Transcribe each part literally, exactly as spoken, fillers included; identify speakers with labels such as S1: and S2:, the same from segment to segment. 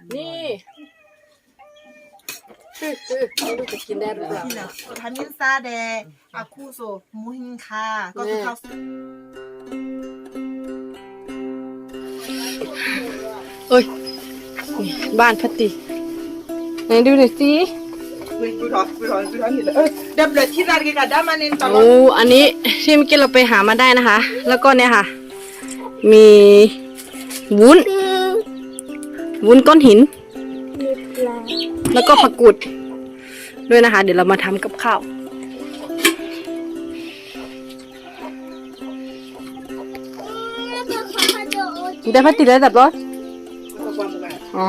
S1: นี่ไม่รู้จะกินได้หรือเปล่า
S2: ทามินซาเดอาคูโซมูฮินคาก็คือข้าว
S1: เอ้ยบ้านพัตติไหนดูหน่อยสิ
S2: ดับเบิลที่ร้านกันได้มาเน้นตลอด
S1: โอ้อันนี้ที่เมื่อกี้เราไปหามาได้นะคะแล้วก็เนี่ยค่ะมีวุ้นวุ้นก้อนหินแล้วก็ผักกุดด้วยนะคะเดี๋ยวเรามาทำกับข้าวได้พัตติแล้วแต่บอสอ๋อ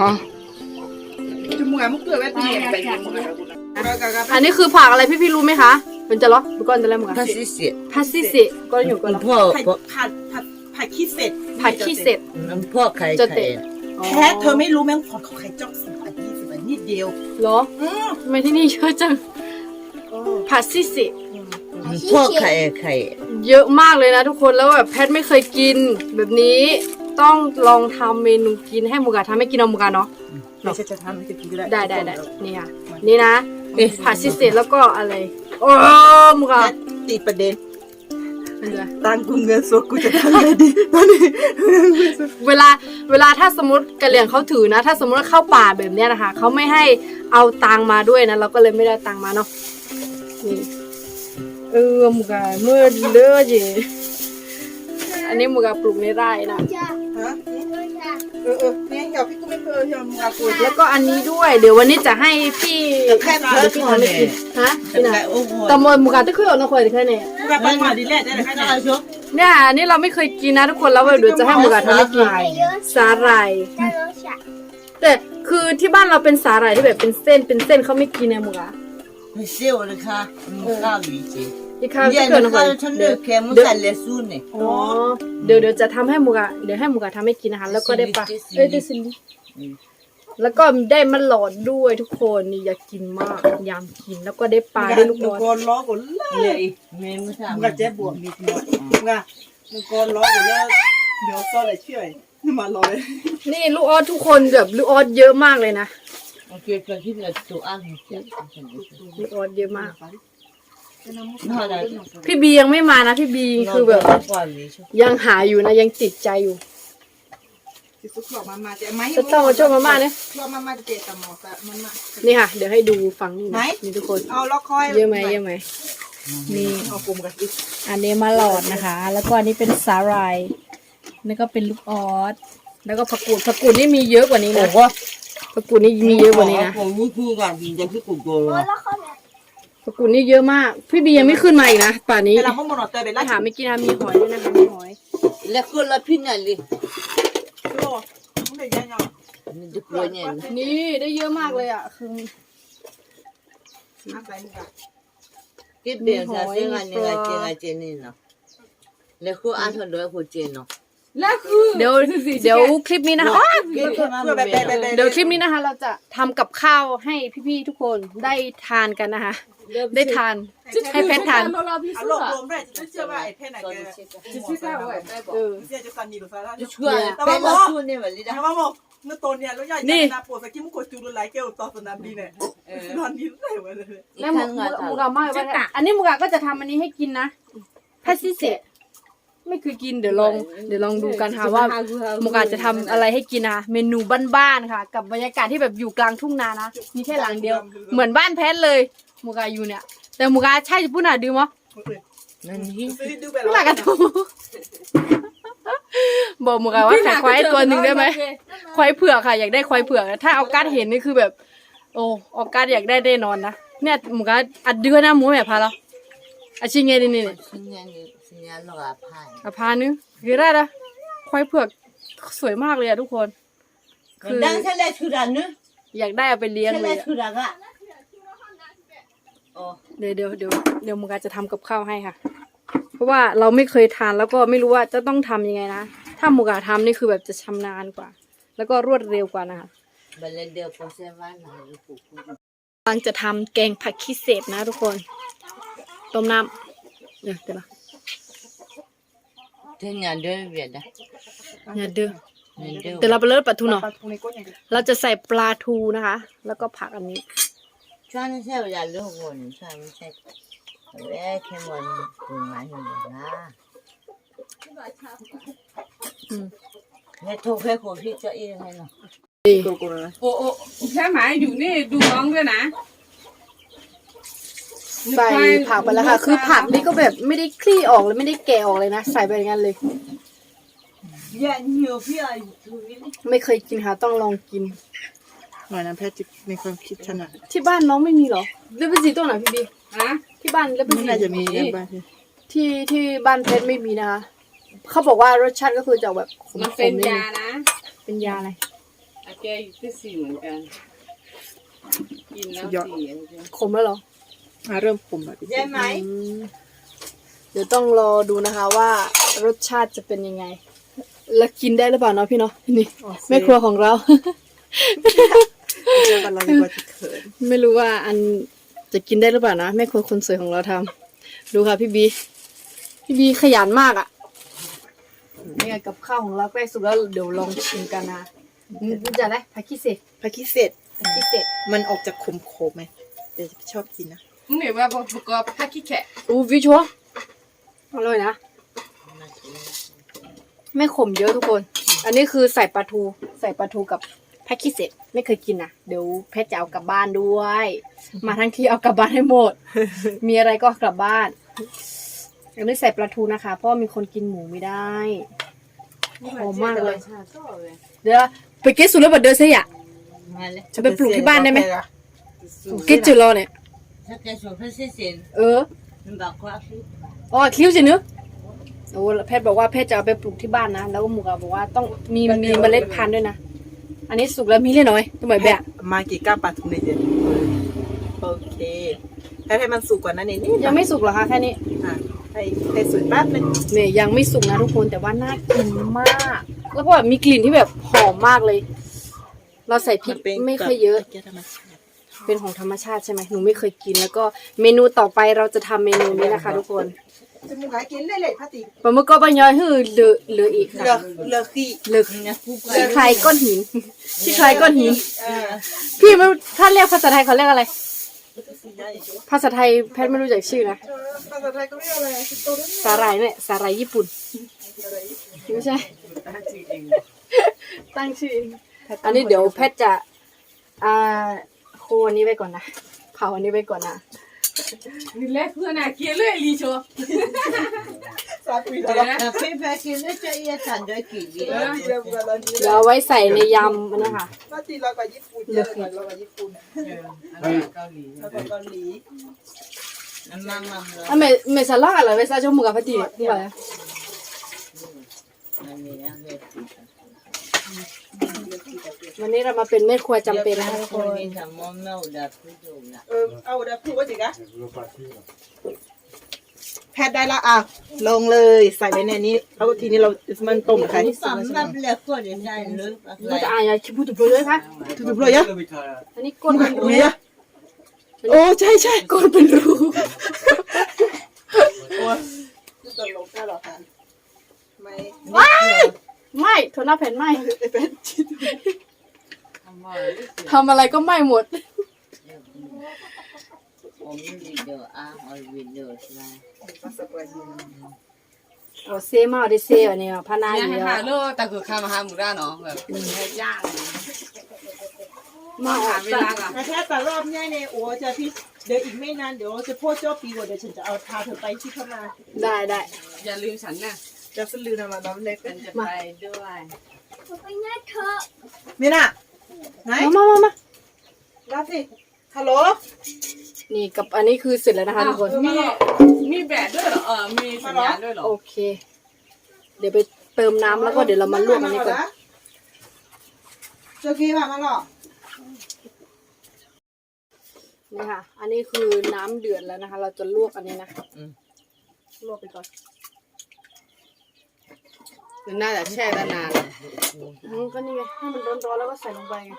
S1: อันนี้คือผักอะไรพี่ๆรู้ไหมคะเป็นจะล็อกดูก่อนจะเล่มกันพัสซิเซพัสซิเซก็อยู่ก่อนพ่อ
S2: ผัดผัดผัดขี้เสร็จ
S1: ผัดขี้เสร็จ
S3: พ่อใคร
S1: จะเตะ
S2: แค่เธอไม่รู้แม่งพอเขาใครจ้องสิบอันยี่สิบอันนิดเดียว
S1: เหรอทำไมที่นี่เยอะจังผัดซิเซ
S3: พ่อใครใคร
S1: เยอะมากเลยนะทุกคนแล้วแบบแพทไม่เคยกินแบบนี้ต้องลองทำเมนูกินให้มูกาทำให้กินเอามูกาเนาะ
S2: เราจะทำให้กินได้
S1: ได้ได้ได้นี่ค่ะนี่นะผัดซิเซแล้วก็อะไรโอ้มูกา
S2: ติดประเด็นตังกูเงินสดกูจะทำไงดีตอนนี้
S1: เวลาเวลาถ้าสมมติกะเหรี่ยงเขาถือนะถ้าสมมติเข้าป่าแบบนี้นะคะเขาไม่ให้เอาตังมาด้วยนะเราก็เลยไม่ได้ตังมาเนาะนี่เออมูกาเมื่อเลือดจีอันนี้มูกาปลูกในไร่นะ
S2: ฮะเออเออเนี่ยเดี๋ยวพี่ก็ไม่เคยทำมูกาปลูก
S1: แล้วก็อันนี้ด้วยเดี๋ยววันนี้จะให้พี่
S3: แค่เพื่อที่ทำกิน
S1: ฮะพี่นะตำมมูกาตะคุยออกนะคอยแค่นี้
S2: มูกาปังมาดีแหละได้เลยแค่นั้นชุบ
S1: เนี่ยอันนี้เราไม่เคยกินนะทุกคนแล้วเดี๋ยวจะให้มูกาทำให้กินสาหร่ายแต่คือที่บ้านเราเป็นสาหร่ายที่แบบเป็นเส้นเป็นเส้นเขาไม่กินเนี่ยมูกา
S3: ไม่เชื่อเลยค่ะมูกาวิจิ
S1: อีกครั้งที่เกิดนะค
S3: อยเดี๋ยว
S1: เดี๋ยวเดี๋ยวจะทำให้มูกาเดี๋ยวให้มูกาทำให้กินนะคะแล้วก็ได้ปลาเอ้ยได้ซินดี้แล้วก็ได้มันหลอดด้วยทุกคนนี่อยากกินมากยามกินแล้วก็ได้ปลาได้ลูกบอล
S2: กอนล้อกุนเลยมูกาเจ็บบวกนิดหน่อยมูกามูกอนล้อกุนแล้วเดี๋ยวก็เลยเชื่อมาลอย
S1: นี่ลูกออสทุกคนแบบลูกออสเยอะมากเลยนะ
S3: โอเคก็ที่เราตัวอ่าน
S1: ลูกออสเยอะมากพี่บียังไม่มานะพี่บีคือแบบยังหาอยู่นะยังติดใจอยู่จะต้องมาช่วยมาม่าเนี่ยนี่ค่ะเดี๋ยวให้ดูฝั่งนี้นะนี่ทุกคนเยอะไหมเยอะไหมนี่อันนี้มาหลอดนะคะแล้วก็อันนี้เป็นสาหร่ายนี่ก็เป็นลูกออสแล้วก็ผักกูดผักกูดนี่มีเยอะกว่านี้นะผักกูดนี่มีเยอะกว่านี้นะ
S3: ผมนี่คือการกินจะคือกุโกะ
S1: ผักกูดนี่เยอะมากพี่บียังไม่ขึ้นมาอีกนะป่านนี้
S2: เราห้องมอนเตอร์เป็นไร
S1: หาไม่กินนะมีหอยด้วยนะคะมีหอย
S3: แล้วก็ละพินาลี
S1: นี่ได้เยอะมากเลยอ่ะคือ
S3: กินเบียร์ซะซึ่งอันนี้ก็เจนเจนนี่เนาะแล้วก็อันนั้นด้วยก็เจนเนาะ
S1: แล้วคือเดี๋ยวเดี๋ยวคลิปนี้นะคะเดี๋ยวคลิปนี้นะคะเราจะทำกับข้าวให้พี่ๆทุกคนได้ทานกันนะคะได้ทานให้เพชรทาน
S2: อารมณ์รวมด้วยจะเชื่อว่าไอ้เพชรไหนแกจะชื่อว่าเออจะซันนี่หรือซาร่าจะช่วยแต่ว่าบอกแต่ว่าบอกเมื่อตอนเนี้ยแล้วใหญ่ใหญ่นาปวดสกิมุกจูรุไลเกลต่อสนามดีเนี่ยนอนดีเลยวันเลย
S1: แล้วมูกาไม่ว่าอันนี้มูกาก็จะทำอันนี้ให้กินนะพัสซิเซไม่เคยกินเดี๋ยวลองเดี๋ยวลองดูกันค่ะว่ามูกาจะทำอะไรให้กินนะเมนูบ้านๆค่ะกับบรรยากาศที่แบบอยู่กลางทุ่งนานะมีแค่หลังเดียวเหมือนบ้านแพทเลยมูกาอยู่เนี่ยแต่มูกาใช่จะพูดหน่าดื่มมั้ย
S3: นั่นนี่
S1: พูดหน่ากันถูบอกมูกาว่าขายควายตัวหนึ่งได้ไหมควายเผือกค่ะอยากได้ควายเผือกถ้าเอาการเห็นนี่คือแบบโอ้เอาการอยากได้ได้นอนนะเนี่ยมูกาอัดเดือนนะหมูแบบพาเราอาชิเงี้ยนี่นี่อาพานึงคือได้ละควายเผือกสวยมากเลยอะทุกคน
S3: คือ
S1: อยากได้เอาไปเลี้ยงเลยเดี๋ยวเดี๋ยวเดี๋ยวเดี๋ยวมูกาจะทำกับข้าวให้ค่ะเพราะว่าเราไม่เคยทานแล้วก็ไม่รู้ว่าจะต้องทำยังไงนะถ้ามูกาทำนี่คือแบบจะชำนาญกว่าแล้วก็รวดเร็วกว่านะคะกำลังจะทำแกงผักขี้เสพนะทุกคนต้มน้ำเดี๋ยวเดี๋ยว
S3: เดี๋ยวเดือดเวียดนะ
S1: เดี๋ยวเดือดเดี๋ยวเราไปเลิศปลาทูเนาะ
S2: ปลาทูในก้นอย่างเดียว
S1: เราจะใส่ปลาทูนะคะ แล้วก็ผักอันนี้
S3: ช่วงนี้ใช่เวลาลูกวนช่วงนี้ใช่เอ้แค่วันถึงมาถึงนะเนี่ยทุกแค่คนที่จะเองไงเนาะ
S4: โอ้โอ้แค่หมายอยู่นี่ดูน้องด้วยนะ
S1: ใส่ผักไปแล้วค่ะ คือผักนี่ก็แบบไม่ได้คลี่ออกเลยไม่ได้แกะออกเลยนะ ใส่ไปอย่างนั้นเลย
S3: อย่าเหนียวพี่ไอ้ทุกนี่
S1: ไม่เคยกินค่ะ ต้องลองกิน
S2: หน่อยน้ำแพทย์จิในความคิดขนาด
S1: ที่บ้านน้องไม่มีเหรอเลเบซีตัวไหนพี่บี
S4: ฮะ
S1: ที่บ้านเลเบ
S2: ไม่
S1: ซี
S2: น่าจะมีกันบ้าง
S1: ที่ที่บ้านเพชรไม่มีนะคะ เขาบอกว่ารสชาติก็คือจะแบบขม
S4: มัน
S1: ๆ
S4: เป็น
S1: นิดนึ
S4: ยาง นะ
S1: เป็นยาอะไร
S4: อาแกอยู่ที่สี่เหมือนกัน กินแล้วสี่อันเดียว
S1: ขมแล้วเหรอ
S2: อ่ะเริ่มขมแล้ว
S3: ใช่ไหม
S1: อืมเดี๋ยวต้องรอดูนะคะว่ารสชาติจะเป็นยังไง แล้วกินได้หรือเปล่าเนาะพี่เนาะนี่แม่ครัวของเรา
S2: เจอกันเราดีกว่าจะเขิน
S1: ไม่รู้ว่าอันจะกินได้หรือเปล่านะแม่ครัวคนสวยของเราทำดูค่ะพี่บีพี่บีขยันมากอ่ะนี่ไงกับข้าวของเราใกล้สุกแล้วเดี๋ยวลองชิมกันนะนี่จะอะไรผักขี้เศษ
S2: ผักขี้เสร็จ
S1: ผักขี้เศษ
S2: มันออกจากขมๆไหมแต่ชอบกินนะ
S4: มึงเห็นว่าประกอบผ้าขี้แฉะ
S1: อู้วิชัวอร่อยนะไม่ขมเยอะทุกคน อันนี้คือใส่ปลาทูใส่ปลาทูกับผักขี้เศษไม่เคยกินนะเดี๋ยวแพทย์จะเอากลับบ้านด้วย มาทั้งที่เอากลับบ้านให้หมด มีอะไรก็กลับบ้านอันนี้ใส่ปลาทูนะคะ เพราะมีคนกินหมูไม่ได้หอมมากเลย เดี๋ยวไปเก็ตสุดแล้วบัดเดินเสีย
S3: มาเลย
S1: จะไปปลูกที่บ้านได้ไหมเก็ตจืดรอเนี่ย
S3: ถ้าแกชอบเพื่อนเสียน
S1: เออ
S3: มันบอกว่าคือ
S1: อ๋อคิ้วสิเนื้อโอ้แพทย์บอกว่าแพทย์จะเอาไปปลูกที่บ้านนะแล้วก็หมูกาบอกว่าต้องมีมีเมล็ดพันธุ์ด้วยนะอันนี้สุกแล้วมีเล่นน้อยตัวใหม่แบบ
S2: มากี่ก้ามปลาทูในเดือนโอเคถ้าให้มันสุกกว่านั้นนิดนิด
S1: ยังไม่สุกเหรอคะแค่นี้
S2: อ่ะให้ให้สุกแป๊บนึง
S1: เนี่ยยังไม่สุกนะทุกคนแต่ว่าน่ากินมาก แล้วก็แบบมีกลิ่นที่แบบหอมมากเลย เราใส่พริกไม่ค่อยเยอะ เป็นของธรรมชาติใช่ไหมหนูไม่เคยกินแล้วก็เมนูต่อไปเราจะทำเมนูนี้นะคะ ทุกคน
S2: จะมึงหากินเล่ๆพาติ
S1: ปลาหมึกก็บะยอยฮือเหลือเหลืออีกค่ะ
S2: เลือกเลือกขี้
S1: เหลือ
S3: เนี่ยคู่กั
S1: ขี้ใครก้อนหินขี้ใครก้อนหิน
S2: เออ
S1: พี่ไม่ถ้าเรียกภาษาไทยเขาเรียกอะไร ภาษาไทยแพทย์ไม่รู้จักชื่อนะ
S2: ภาษาไทยก็เรียกอะไรคิโตะ
S1: สาหร่ายเนี่ยสาหร่ายญี่ปุ่นไม่ใช่ ตั้งชื่อเองอันนี้เดี๋ยวแพทย์จะอ่าโคอันนี้ไว้ก่อนนะเผาอันนี้ไว้ก่อนนะ
S4: นี่แหละเพื่อนอ่ะเกลียดเลยลีโชว์
S2: สาปี
S4: เดี๋
S2: แล้
S4: ยว วนะ
S3: แต่เพื่อนเพื่อนกินแล้วจะเอียสันด้วยกี่ดี
S2: เออดีแล้วบุกแล้วดี
S1: เดี๋ยวเอาไว้ใส่ในยำอันนะคะ
S2: มาตีเรากับญี่ปุ่นเยอะเลยเรากับญี่ปุ่น
S4: เออเกาหลี
S2: เรากับเกาหลี
S3: น้ำมันมันเลย
S1: อ่ะเมเมซาล่าอะไรไว้ซาจมูกกับพัตตีนี่อะไร
S3: อันนี้นะเพื่อน
S1: วันนี้เรามาเป็นแม่ครัวจำเป็นนะคะทุก
S3: ค
S1: คน น
S3: นี้ทำมอมเน่าดับผู้ดูนะ
S2: เออเอาเดี๋ยวพูดว่าจิกะแพทย์ได้ละอ่ะลงเลยใส่ไว้ในนี้แล้วทีนี้เรามันต้มใคร
S3: สำหรับเล็กก็ได้ใจเลยอะ
S1: เราจะอ่านยาคิพูดถูกเลยค่ะ
S2: ถูกเลยอะ
S1: อันนี้ก้นเป็นรู
S2: โอ้ยอะโอ้ใช่ใช่
S1: ก้นเป็นรู
S2: โอ้ยตลกได้หรอคะไม่
S1: ว้ายไม่โทนหน้าแผ่นไหม
S2: ไอ้เป็ดชิด
S4: ทำว่า
S1: ทำอะไรก็ไหม้หมด
S3: ผมวิดีโออ่ะเอาวิดีโอสไลด์
S2: ภาษาบราซิล
S1: โอ้เซมาได้เซอันนี้พานา
S4: เนี่ย
S1: เย
S4: ให้หา
S1: อะ
S4: โลแต่คือข้ามาหาหมูด้าเนาะแบบให้ย่าง
S1: มาอ
S4: หา
S1: อก
S4: เว
S1: จาก
S4: ลาอ่ะ
S2: แต่แค่แต่รอบเนี้ยเนี่ยโอ้จะพี่เดี๋ยวอีกไม่นานเดี๋ยวจะพูดเจ้าปีกว่าเดี๋ยวฉันจะเอาพาเธอไปที่เข้ามา
S1: ได้ได้
S4: อย่าลืมฉันนะ
S2: จะสลือนะมาน้ำเล็ก
S4: ฉันจะไปด้วย
S2: มีน่ะไหน
S1: มามามามา
S2: รับสิฮัลโหล
S1: นี่กับอันนี้คือเสร็จแล้วนะคะทุกคน
S4: มีมีแบตด้วยเหรอเออมีสัญญาณด้วยเหรอ
S1: โอเค เดี๋ยวไปเติมน้ำแล้วก็เดี๋ยวเรามาลวกอันนี้ก่อน
S2: เจ้ากี้มามาหรอ
S1: นี่ค่ะ อันนี้คือน้ำเดือดแล้วนะคะ เราจะลวกอันนี้นะลวกไปก่อน
S4: น่าจะแช่ได้นาน
S1: อืมก็นี่ไงให้มันร้อนๆแล้วก็ใส่ลงไปไง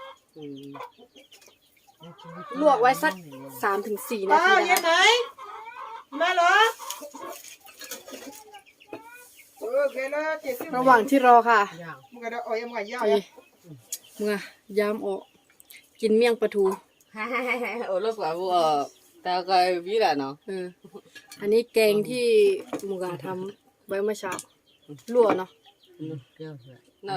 S1: ลวกไว้สักสามถึงสี่นา
S2: อ้า
S1: ที
S2: วยั
S1: นะ
S2: งไง
S1: คะ
S2: มาเหรอ
S1: โระหว่างที่รอค่ะ
S2: มึงก็ได้โอ้ยมึงก็ย่า
S1: ไปมึงอะยามออกกินเมี่ยงปลาทู
S4: โอ้ลูกว่าบัวตาก็วิละเนาะ
S1: เอออันนี้แกงที่มึงอะทำไว้เมื่อเช้าลวกเนาะ
S4: น่ะ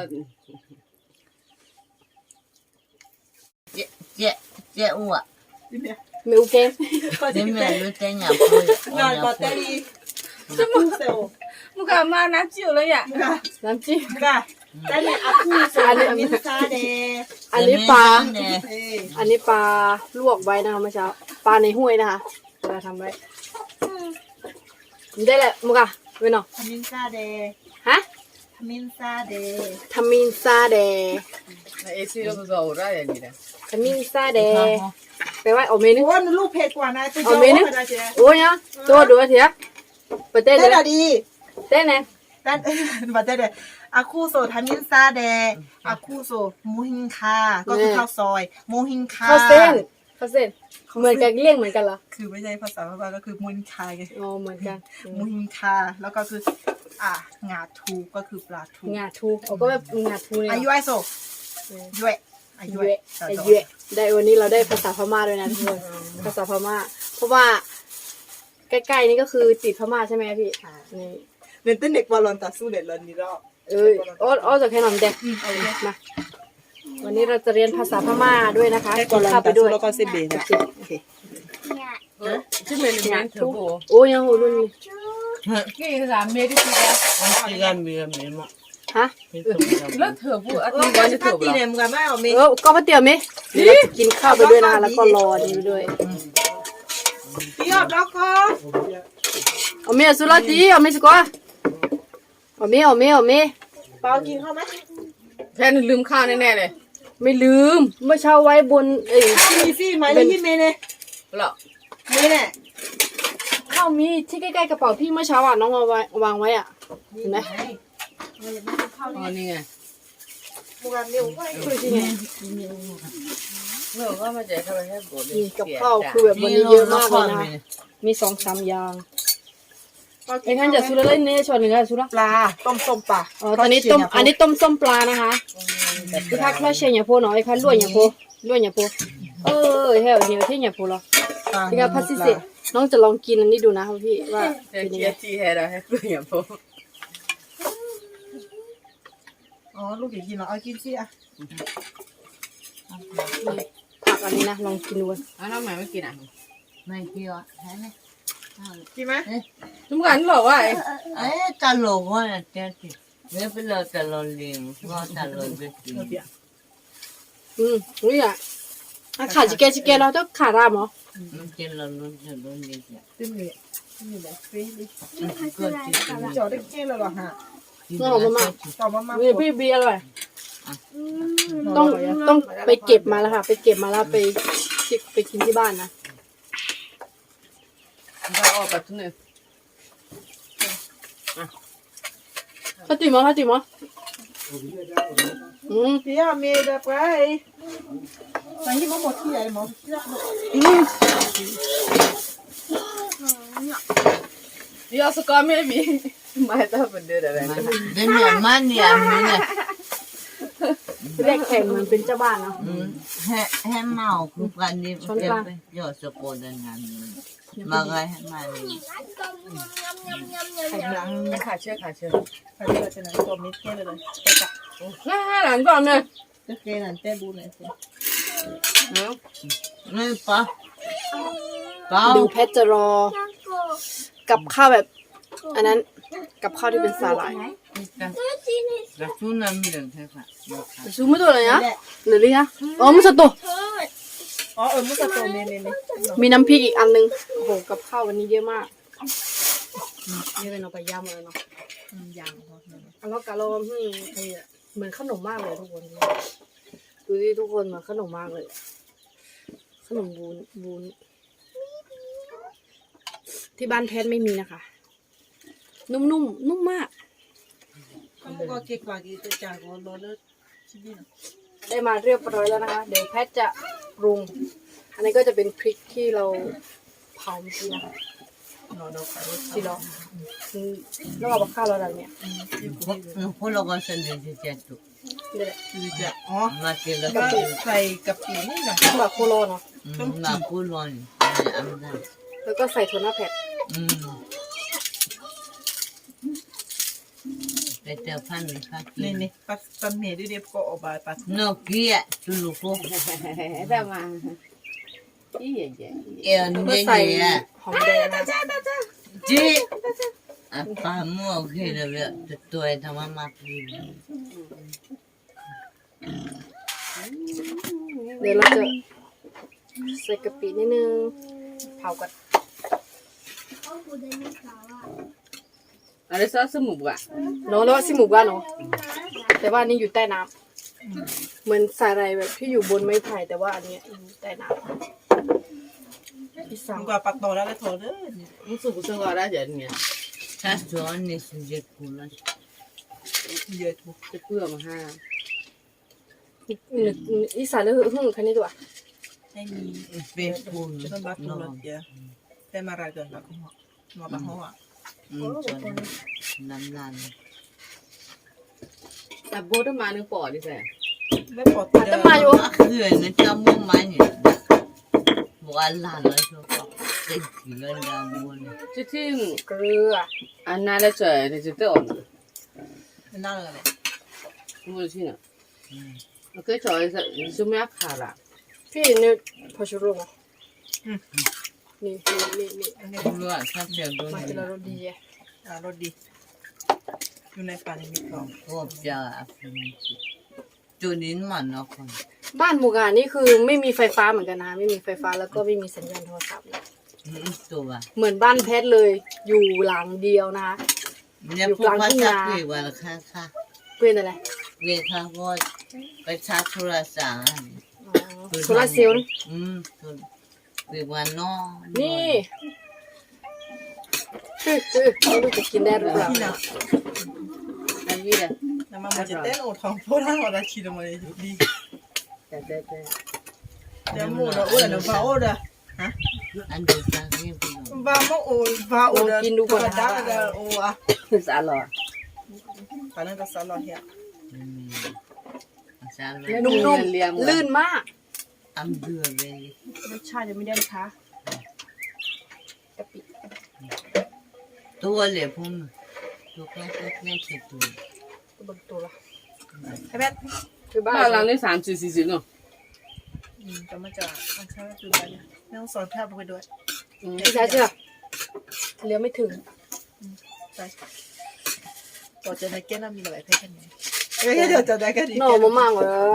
S3: เจ๊เจ๊เจ๊อ้ว
S1: ไม่อูแกง
S3: เจ๊แม่รู้แต่หยาบพูด
S2: งานบอตเตอรี่จะมึงเซล
S4: มึงก็มาน้ำจิ้วเลยอ่ะ
S2: มึงก็
S1: น้ำจิ้ม
S2: มึงก็แต่เนี่ยอาคูโซมินซาเด
S1: อันนี้ปลา
S2: เอ้ย
S1: อันนี้ปลาลวกไว้นะคะเมื่อเช้าปลาในห้วยนะคะเราทำไว้ได้แหละมึงอะเว้ยเนาะ
S2: มินซาเด
S1: ฮะ
S2: มินซาเด
S1: ทามินซาเด
S4: เอซี่เราก็เอาได้อย่างนี้นะ
S1: ทามินซาเดไปไว้เอาเมนู
S2: โอ้ยลูกเพจกว่านะตัว
S1: เอา
S2: โจ้
S1: เมนู
S2: ก็ได้เจ๊
S1: โอ้ยเนาะตัวดูเถอะไปเต้น
S2: เต้น
S1: เล
S2: อะ
S1: ย
S2: ดี
S1: เต้นเนี่ย
S2: แต่บอตเตอร์อาคูโซทามินซาเดอาคูโซมูฮิงคาก็คือข้าวซอยมูฮิงคา
S1: ข้าวเส้นข้าวเส้นเหมือนกันเลี่ยงเหมือนกันเหรอ
S2: คือไม่ใช่ภาษาพม่าก็คือมูฮิงคาไง
S1: อ๋อเหมือนกัน
S2: มูฮิงคาแล้วก็คืออ่างาทูก็คือปลาทู
S1: งาทูเอาก็แบบงาทูเนี่ย
S2: อายุไอโซยุยอายุ
S1: เยะไอเยะได้วันนี้เราได้ภาษาพม่าด้วยนะทุกคนภาษาพม่า เพราะว่าใกล้ๆนี่ก็คือติดพม่าใช่ไหมพี่นี่
S2: เน้นเต้นเด็กบอลลอนตาสู้เด็ดลอนนี่รอบ
S1: เอ้ยอ้ออ้อจะแค่นมแดงมาวันนี้เราจะเรียนภาษาพม่าด้วยนะคะ
S2: แค่บอลลอน
S1: เข้าไป
S2: ตา
S1: ด้
S2: สู้
S1: วย
S2: แล้วก็เซเบนะโอเค
S4: ชื่อเมนูนั้นเถอะบัว
S1: โอ้ยังโหรุ่นนี้
S4: กี่สามเมตรที่แล้ว
S3: ที่กันมีกันมีมั้ง
S1: ฮะ
S3: ที่ตรงกัน
S4: แล้วเถอะบัวอัน
S2: โอ้
S4: นี้
S2: ก็
S4: วัน
S2: จะ
S4: จะเถ
S2: พัก
S4: อะ
S2: ตี
S4: บัว
S2: เนี่ยมึงกันไม่เอาเม
S1: เออก็มาเตี๋ยวไหมเดี๋ยวเราจะกินข้าวไปด้วยนะคะแล้วก็รอนี่ไปด้วย
S2: พี่ออกแล้วก็
S1: เอาเมียสุราตีเอาเมียสกว่าเอาเมียเอาเมียเอาเมีย
S2: เปากินข้าวไหม
S4: แค่ลืมข้าวแน่ๆเลย
S1: ไม่ลืมเมื่อเช้าไว้บนเอ้ย
S2: มีซี่ไหมเลยที่เมเน่
S4: หรอ
S2: เมเน่
S1: ข้าวมีที่ใกล้ๆกระเป๋าพี่เมื่อเช้าอ่ะน้องเอาไว้วางไว้อ่ะเห็นไหม
S4: อ๋อนี่ไง
S2: มึงกันเร็วไป
S1: คือที่ไง
S4: เมื่อว่ามาเจอเขาไปให้บัว
S1: นี่กับข้าวคือแบบวันนี้เยอะมากเลยนะมีสองสามอย่างไอ้ท่านจะสุรเล่นเนี่ยชวนหนึ่งค่ะสุร
S2: ปลาต้มส้มปลา
S1: อ๋อตอนนี้ต้มอันนี้ต้มส้มปลานะคะพี่พักเราเชียร์อย่าโพหน่อยค่ะลวกอย่าโพลวกอย่าโพเออเฮ้ยเดี๋ยวที่อย่าโพหรอพี่กับพัสซิเซน้องจะลองกินอันนี้ดูนะครับพี่ว่า
S4: เจ๊
S1: เป็นยัง
S4: เจ๊
S1: ไง
S4: ที่ให้เราให้เพื่อนอย่างพวก
S2: อ๋อลูกอยากกินเหรอเอากินสิอ่ะ
S1: ผักอันนี้นะลองกินดู
S4: อ้าวทำไมไม่กินอ่ะ
S3: ไม่เกี่ยวใช่ไหม
S2: กินไหม
S4: ทุกคนบอกว่า
S3: เอ๊ะตลกว่ะเจ๊ที่ไม่เป็นเราตลกลิงก็ตลกไปกิน
S1: อืมอุ้ยอ่ะขาจิเกจิเกเราต้องขาดามเหรอ
S3: มันกินเราลุ้นจะลุ้นดีจ้ะ
S2: ตึ้มเลยนี่แหละฟรีดิ
S3: ก็จิต
S2: จอดได้เก่งเลยเหรอฮะ
S1: น้องมามา
S2: ต่อมามา
S1: นี่พี่บีอร่อยต้องต้องไปเก็บมาแล้วค่ะ ไปเก็บมาแล้วไปไปกินที่บ้านนะ
S4: เราออกไปทุกเนี่ย
S1: ข้าวติ๋มมั้ยข้าวติ๋มมั้ยอืม
S2: พี่อาเมย์แบบไรไปที่มาหมดที่ไหนหมอ
S1: อืม
S4: เดี๋ยวสกอร์ไม่มีไม่ต้องเป็นเดือนอะไรนะ
S3: เดี๋ยวเนี่ยมันเนี่ยมีเนี่ย
S1: แรกแข่งเหมือนเป็นเจ้าบ้านเนาะ
S3: แห่แห่เมาคือการนี้เก็บไปยอดสกุลงานมาไงให้มาเลย
S2: ไข่หลัง
S4: ขาเชื่อขาเชื่อ
S2: ไข่เลือดจะไหนตัวมิดเก้เลยไปจับ
S4: น่าหลังก่อนเนี่ย
S2: จะเกนันเต้บูเลยสิ
S4: เนาะ
S3: ไม่ปะปะ
S1: ดูแพทจะรอ กับข้าวแบบ อันนั้นกับข้าวที่เป็นสาหร่าย
S3: กระชุนน้ำเหลืองใช่ปะ
S1: ซูไม่ตัวเลยนะหรือเนี่ยอ๋อมุสโต
S2: อ๋อเออมุสโตเมย์เมย์เมย์
S1: มีน้ำพริกอีกอันนึงโอ้โหกับข้าววันนี้เยอะมากนี่เป็นเอาไปย่ำเลยเนาะ
S2: ยัง
S1: อันแล้วกะโลมที่เหมือนขนมมากเลยทุกคนดูดิทุกคนเหมือนขนมมากเลย ขนมบูนบูนที่บ้านแพทไม่มีนะคะ นุ่มๆนุ่มมาก
S2: ก็ก็เก็บกว่ากี่ตัวจากก็รอเลิศชิบิน
S1: ได้มาเรียบร้อยแล้วนะคะ เดี๋ยวแพทจะปรุง อันนี้ก็จะเป็นพริกที่เราเผาเมื่อกี้นะคะสิหรออืมแล้วเอาข้าวเราอะไรเนี่ย
S3: คนเราก็เส้นเดียวจะตุ
S1: นี่แหละ
S2: คือจะอ๋อ
S3: มาเจอแล้ว
S2: ก็
S3: ก็
S2: ใส่กะปินี่นะ
S1: แบบโคโลเนาะ
S3: มาพูดวันอันนั้น
S1: แล้วก็ใส่ถั่วหน้าแผ่น
S3: อืมไปเจอพันธุ์ค่ะ
S2: นี่นี่ปัสปันเมดิเดียบก็ออกมาปัส
S3: นกเกี้ยตุลุโก
S4: แต่มาอีเย่เย่
S3: เอ็น
S1: แล้วก็
S3: เย่
S1: ใส่
S3: เย่
S1: หอมแดงนะ
S3: จีอ่ะปลาหม้อโอเคเลยเว้ยแต่ตัวไอ้ทำมามาพี่
S1: เดี๋ยวเราจะใส่กะปินิดนึงเผาก่อน
S4: อะไรซอสหมูอ่ะ
S1: เนาะแล้วว่าซิหมูบ้านเนาะแต่ว่าอันนี้อยู่ใต้น้ำเหมือนสาหร่ายแบบที่อยู่บนไม้ไผ่แต่ว่าอันเนี้ยอยู่ใต้น้ำที่สั่ง
S2: มันก็ปักต่อแล้วเลยโถเด้อ
S4: มึงสูบซึ่งก็ได้เดี๋ยวนี้
S3: ถ้าจอนนี่สุดยอดกูละ
S2: เยอะทุก
S4: จะเพื่อมาห้า
S1: อีสานแล้วหึ่งคันนี้ตัว
S2: ให้มี
S3: เป็นปูน
S2: จะต้องบักตัวละเยอะแต่มาอะไรกันบักหัวมาบักหัว
S3: อืมจนน้ำลาย
S4: แต่โบต้องมาหนึ่งปอดดิแซ่
S2: ไม่ปลด
S1: แต่มาอยู่
S3: คือเนี่ยจะมุ่งมันเนี่ยบอกว่าหลานเลยชอบเด็กกินแล้วดาวบัวเนี่ย
S4: จะที่
S1: เกลือ
S4: อันนั้นแล้วเจอเนี่ยจะเต้าอ่ะ
S2: นั่นเลย
S4: มึงที่น่ะโอเคจอยจะไม่อาขาละ
S1: พี่เนี่ยพอชูโรงนี่นี่นี่
S2: อันนี้
S3: รู้ว่าถ้าเจอโดน
S1: มา
S3: เนี่
S1: ที
S3: ย
S1: ละรสดี
S2: อ่ารสดีอยู่ในป่าในมีกล่อง
S3: พวกจะฟินจุดนี้มันเนาะคน
S1: บ้านหมู่กานี่คือไม่มีไฟฟ้าเหมือนกันนะไม่มีไฟฟ้าแล้วก็ไม่มีสัญญาณโทรศัพท์
S3: ตัว
S1: เหมือนบ้านแพทเลย อยู่หลังเดียวนะคะ
S3: เนี่ยพวกภาษาคุยวันละค่ะค่ะ
S1: เพื่อนอะไร
S3: เรียกค่ะก็ไปชาร์จโทรศัพท์
S1: โซลาเซลล์
S3: อืมคุยวันนอ
S1: นี่คือคือไม่รู้จะกินได้หรือเปล่า
S2: ที่น่ะ
S4: อันนี้แหละ
S2: น้ำมันมันจะเต้นโอทองโพล่าหัวราชีลงมาเลยดี
S4: แต่แต่แต่
S2: เดี๋ยวหมูเราอ้วนเดี๋ยวฟ้าอ้วนเด้อฮะ
S3: อันเดียวกันเรียกพี่น้อง
S2: ฟ้าไม่โอ้ฟ้าอ้วนเด้อกินดูก่อนนะจ้าเด้อโอ้อะ
S4: คือสาลอ
S2: ตอนนั้นก็สลอเฮีย
S3: อืมสาม
S1: นุ่มๆลื่นมาก
S3: อันเดือดเลย
S1: รสชาติยังไม่ได้นะคะกะปิ
S3: ตัวเลยพุ่งตัวแค่แค่แค่เจ็ดตัว
S1: ตัวบนตัวละ
S2: ไอ้แพท
S1: คือบ้า
S4: บ้าน
S1: น
S4: หลังนี้สามสี่สี่สิบเนาะ
S2: อืมจะมาจากอันเช้าคือไปเนี่ยไม่ต้องสอนแพทย์ไปด้วย
S1: ไม่ใช่เชื่อเลี้ยวไม่ถึง
S2: ไปต่อจากนั้นแกน่ามีอะไรแพทย์กันไหมเอ้ยเดี๋ยวจะได้กันดี
S1: หน่อมะม่างหมดแล้ว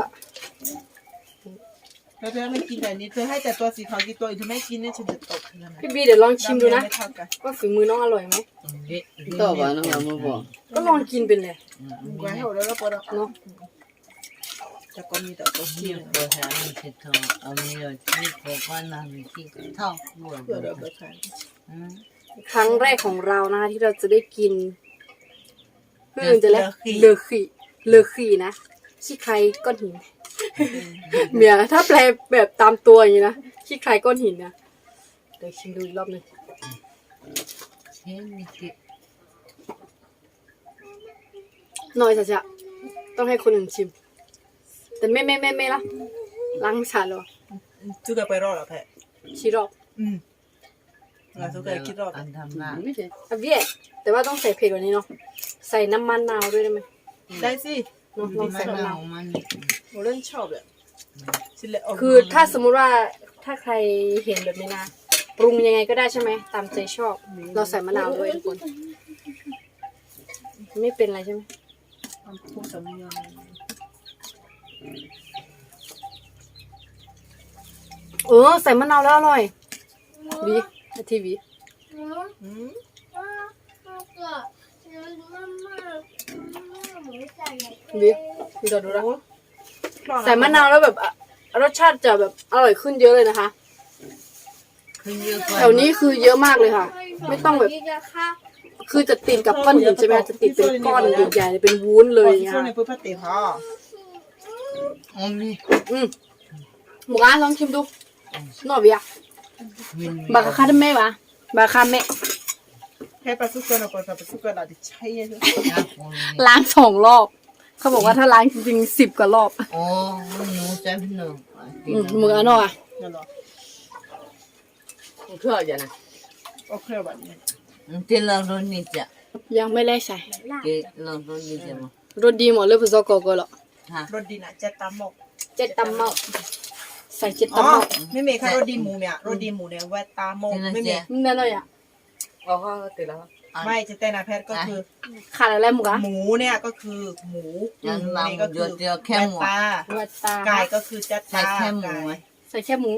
S2: แล้วเธอไม่กินแต่นี้เธอให้แต่ตัวสีขาวกี่ตัวอีกเธอไม่กินเนี่ยฉันจะตกเธอนะ
S1: พี่บีเดี๋ยวลองชิมดูนะ
S2: ไม่เท่ากัน
S1: ว่าฝีมือน้องอร่อยไหม
S4: ต่อไปน้องเราไม่บอก
S1: ก็ลองกินเป็นเลย
S2: ไว้ให้เราแล้วปวด
S1: เนาะ
S2: แต่ก็มีแต่ตัว
S3: ที่
S2: เคี้ยว
S3: ตัวแทนที่ทอเอาเนื้อที่บอกว่าน้ำที่เท่าหัว
S2: เพื่อเราไปขาย
S3: อืม
S1: ครั้งแรกของเรานะคะที่เราจะได้กินเพื่อนจะแล้วเลอขีเลอขีนะขี้ใครก้อนหินเมียถ้าแปลแบบตามตัวอย่างนี้นะขี้ใครก้อนหินนะเดี๋ยวชิมดูอีกรอบหนึง
S3: เช่นที่
S1: หน่อยจะจะต้องให้คนอื่นชิม แต่ไม่ไม่ไม่ไม่ละล้างชาเลย
S2: ซื้อกันไปรอดหรอแพท
S1: ชิรอบ
S2: อืมงานซื้อกันคิดรอด
S3: อันทำหน้า
S4: ไม่ใช่
S1: อ่ะเบี้ยแต่ว่าต้องใส่เผ็ดกว่านี้เนาะใส่น้ำมันนาวด้วยได้ไหม
S2: ได้สิ
S1: เนาะลอง
S3: มั
S1: ใส่
S3: น
S1: มะนา
S3: เอา
S1: ว
S3: มัน
S2: โมเล่นชอบเลยชิ้นเล็ก
S1: คือถ้าสมมุติว่าถ้าใครเห็นแบบนี้นะปรุงยังไงก็ได้ใช่ไหมตามใจชอบ เราใส่มะนาวด้วยทุกคนไม่เป็นไรใช่ไหม
S2: พวกสามียัง
S1: เออใส่มะนาวแล้วอร่อยวีทีวี
S2: อืม
S1: วีวีเราดูนะใส่มะนาวแล้วแบบอ่ะรสชาติจะแบบอร่อยขึ้นเยอะเลยนะคะ
S3: ขึ้นเยอะกว่า
S1: แถวนี้คือเยอะมากเลยค่ะ ไม่ต้องแบบ คือจะติดกับก้อนหินใช่ไหมจะติดเป็นก้อนใหญ่ๆเป็นวุ้นเลยอย่างเงี้ย
S2: ช่วงในพื้นพัดเตะห่อ
S3: อ๋อมี
S1: อืมหมูกระลองชิมดูหน่อยเบีย
S3: มี
S1: บากาคาดแม่วะบากาคาแม่
S2: แค่ปลาสุกเกอร์เราก็ปลาสุกเกอร์เราจะใช้เยอะ
S1: ล้างสองรอบ เขาบอกว่าถ้าล้างจริงๆสิบกว่ารอบ
S3: อ๋อหนูจะหนู
S1: อืมมืออันนอกอ่ะ
S2: นั่นหรอ
S3: เชื่อจะนะ
S2: โอเคแบบนี้
S3: เจริญรุ่นนี้จ้ะ
S1: ยังไม่ได้ใส่
S3: เจริญรุ่นนี้จ้ะมั้ง
S1: รสดีหมดเลยผู้ซอกก็หรอ
S3: ฮะ
S2: รสดีน่ะจะตำหมก
S1: เจ็ดตำเมาใส่เจ็ด
S2: อ๋อ
S1: ตำเมา
S2: ไม่มีค่ะรสดีหมูเนี่ยรสดีหมูเนี่ยแวตตาหมกไม่มี
S1: นั่นเลยอ่ะ
S4: อ๋อเขาติดแล้ว
S2: ไม่จะแต่นาแพทย์ก็คือ
S1: ขาดอะไรหมูกะ
S2: หมูเนี่ยก็คือหมู
S3: ยัน
S2: หมู
S3: มา
S2: นี่
S3: หมู
S2: ก็
S3: เดี
S2: คื
S3: ยว
S2: อ
S3: เดียวแค่หมู
S2: ตา
S1: วัตตา
S2: ไก่ก็คือจัด
S3: ใส่
S2: ตา
S3: แค่หมูไหม
S1: ใส่แค่หมู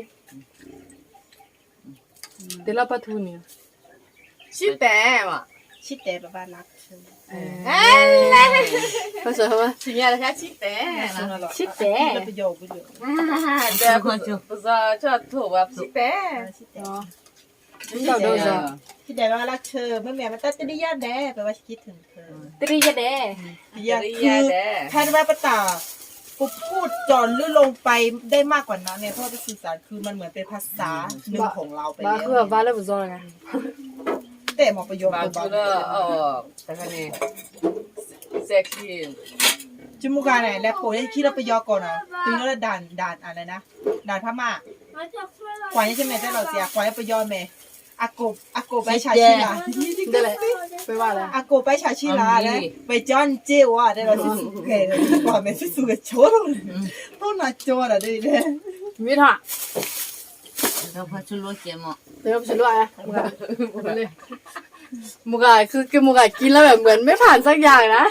S1: เดี๋ยวเราปลาทูเนี่ย
S4: ชื่อแต่ว่ะ
S2: ชิดแต่แบบว่ารัก
S1: เออภาษาว่า
S4: สิ่งนี้แค่ชื่อแต่นะ
S1: ชิดแต่
S2: แล้วประโยคไปเลย
S4: แต่คนจุภาษาชอบถูกแบบชื่อแต่
S2: ชิดแต่
S1: เนาะเจ้าโดนจ้ะ
S2: ชิดแต่ว่ารักเธอไม่แม่มันตัดจะได้ยากแด้แปลว่าคิดถึงเธอ
S1: ตรีจะเด้
S2: ยากคือแพทย์ว่าปะตาปุ๊บพูดจอนลื่นลงไปได้มากกว่านั้นเนี่ยเพราะว่าสื่อสารคือมันเหมือนเป็นภาษาหนึ่งของเราไป
S1: บ้า
S2: แล้ว
S1: คือแบบบ้าแล้วผู้ซอยไง
S2: แต่หมอประโยค
S4: บาง
S2: ตัว
S4: ที
S2: บ้า
S4: ก็เออแต่คะแนนเซ็กซี่
S2: จมูกการไหนแล้วโปรยคิดเราไปยอก่อนอ่ะตึงแล้วด่านด่านอะไรนะด่านพม่ากว่านี้ใช่ไหมแต่เราเสียกว่านี้ไปยอแม่อากบอากบไปชาชิลา
S1: ได้เลยไปว่าอะไร
S2: อากบไปชาชิลานะไปจอนเจ้าอ่ะได้เราสิสุเกะกว่าแม่สิสุเกะโชว์ต้องน่าโจอ่ะได้เลย
S1: มิถะ
S3: เราพัชรเจมอ่ะ
S1: เดี๋ยวผมจะรู้อ่ะมุกาเลยมุกาคือกินมุกากินแล้วแบบเหมือนไม่ผ่านสักอย่างนะ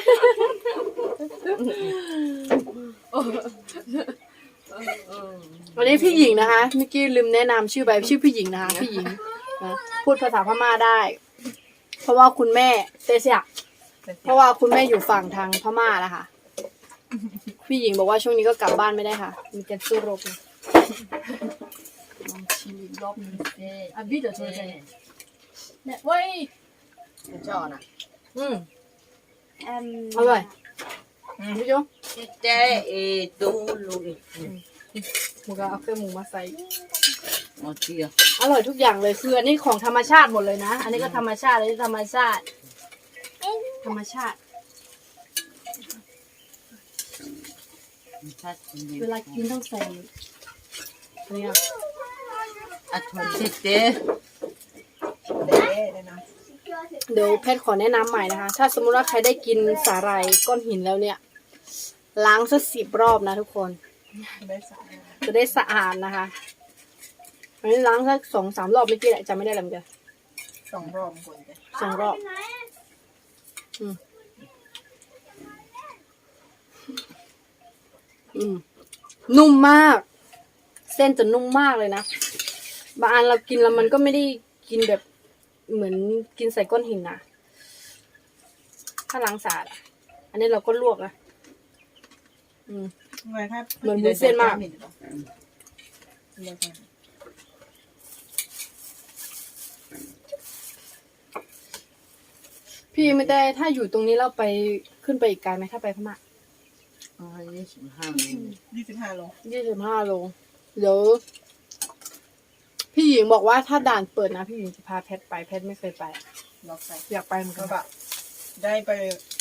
S1: วันนี้พี่หญิงนะคะเมื่อกี้ลืมแนะนำชื่อไปชื่อพี่หญิงนะคะพี่หญิงนะพูดภาษาพม่าได้ เพราะว่าคุณแม่เตเซียเพราะว่าคุณแม่อยู่ฝั่งทางพม่านะคะพี่หญิงบอกว่าช่วงนี้ก็กลับบ้านไม่ได้ค่ะมีการสู้รบนะลองชิมอีกรอบนึงอ่ะพี่เดี๋ยวช่วยใจเนี่ยเว้ย
S4: ชอบนะ
S1: อืมอร่อยพี่โจ
S3: เจ๊เอตูลูก
S1: หมูกระเอาเครื่องหมูมาใส่
S3: อ๋อเจีย
S1: อร่อยทุกอย่างเลยคืออันนี้ของธรรมชาติหมดเลยนะ อันนี้ก็ธรรมชาติอันนี้ธรรมชาติ ธรรมชาติ เวลากินต้องใส่อันนี้อ่ะ
S3: อ่ะทนเจ๊
S2: เด้ได้นะ
S1: เดี๋ยวแพทย์ขอแนะนำใหม่นะคะ ถ้าสมมติว่าใครได้กินสาหร่ายก้อนหินแล้วเนี่ย ล้างสักสิบรอบนะทุกคน
S2: ได้สาย
S1: จะได้สะอาดนะคะอันนี้ล้างสักสองสามรอบเมื่อกี้แหละจำไม่ได้แล้วเหมือนกัน
S2: สองรอบคนจ้ะ
S1: สองรอบอืมอืมนุ่มมาก เส้นจะนุ่มมากเลยนะบางอันเรากินแล้วมันก็ไม่ได้กินแบบเหมือนกินใส่ก้อนหินนะถ้าล้างสะอาดอะอันนี้เราก็ลวกนะอืม
S2: ไงครับ
S1: เหมือนวุ้นเส้นมาก พี่ไม่ได้ถ้าอยู่ตรงนี้เราไปขึ้นไปอีกไกลไหมถ้าไปพม่า
S3: อ๋อยี่สิบห้า
S2: ยี่สิบห้าโล
S1: ยี่สิบห้าโลเดี๋ยวพี่หญิงบอกว่าถ้าด่านเปิดนะพี่หญิงจะพาแพทไปแพทไม่เคยไป
S2: ล็อกใส่
S1: อยากไปเหมือนกั
S2: ก็
S1: น
S2: แบบได้ไป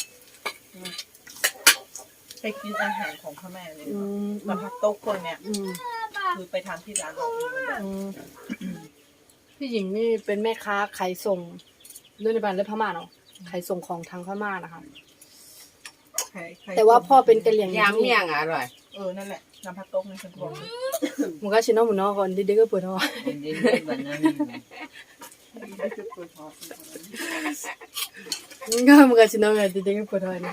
S2: ไปกินอาหารของพ่อแม่เลย
S1: อืม
S2: มาพักโต๊ะคนเนี่ย
S1: อืม
S2: คือไปทานที่ร้านเราเองแบบ
S1: อืมพี่หญิงนี่เป็นแม่ค้าขายส่งด้วยในบ้านและพม่าเนาะขายส่งของทางพม่านะคะ
S2: ใครใคร
S1: แต่ว่าพ่อเป็นกะเหรี่ยง
S4: ยำเมี่ยงอร่อย
S2: เออนั่นแหละน้ำพักโต๊ะในฉันบอก
S1: มันก็ชิโนหมุนนอก่อนดิเด็กก็เปิดท้อ
S3: เดี๋ยวแบบนั้น
S1: ก็มันก็ชิโนไงดิเด็กก็เปิดท้อนะ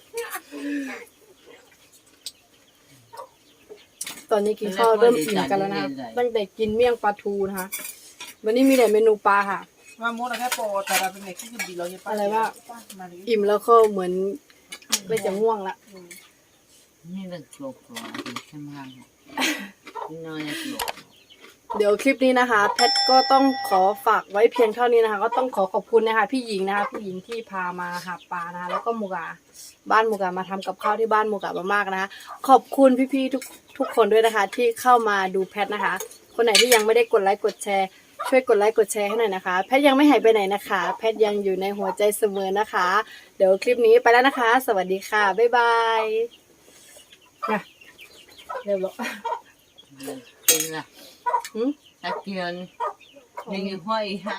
S1: ตอนนี้กินข้าวเริ่มอิ่มกันแล้วนะตั้งแต่กินเมี่ยงปลาทูนะคะวันนี้มีแต่เมนูปลาค่ะ
S2: ว่าโมนะแค่โปรแต่เราเป็นเด็กที่คือดีเราเยอะป้า
S1: อะไรว่า
S2: มาดิ
S1: อิ่มแล้วก็เหมือนไม่จะง่วงละ
S3: นี่เรื่องโกรธใช่ไหมนี่น้อยนะโกรธ
S1: เดี๋ยวคลิปนี้นะคะแพทก็ต้องขอฝากไว้เพียงเท่านี้นะคะ ก็ต้องขอขอบคุณนะคะพี่หญิงนะคะพี่หญิงที่พามาหาปลานะคะแล้วก็มูกาบ้านมูกามาทำกับข้าวที่บ้านมูกามากๆนะคะขอบคุณพี่ๆทุกทุกคนด้วยนะคะ ที่เข้ามาดูแพทนะคะ คนไหนที่ยังไม่ได้กดไลค์กดแชร์ช่วยกดไลค์กดแชร์ให้หน่อยนะคะแพทยังไม่หายไปไหนนะคะแพทยังอยู่ในหัวใจเสมอนะคะเดี๋ยวคลิปนี้ไปแล้วนะคะ สวัสดีค่ะบ๊ายบายมาเร็วบอก
S3: เป็นล่ะหืมตะเกียนยังห้อย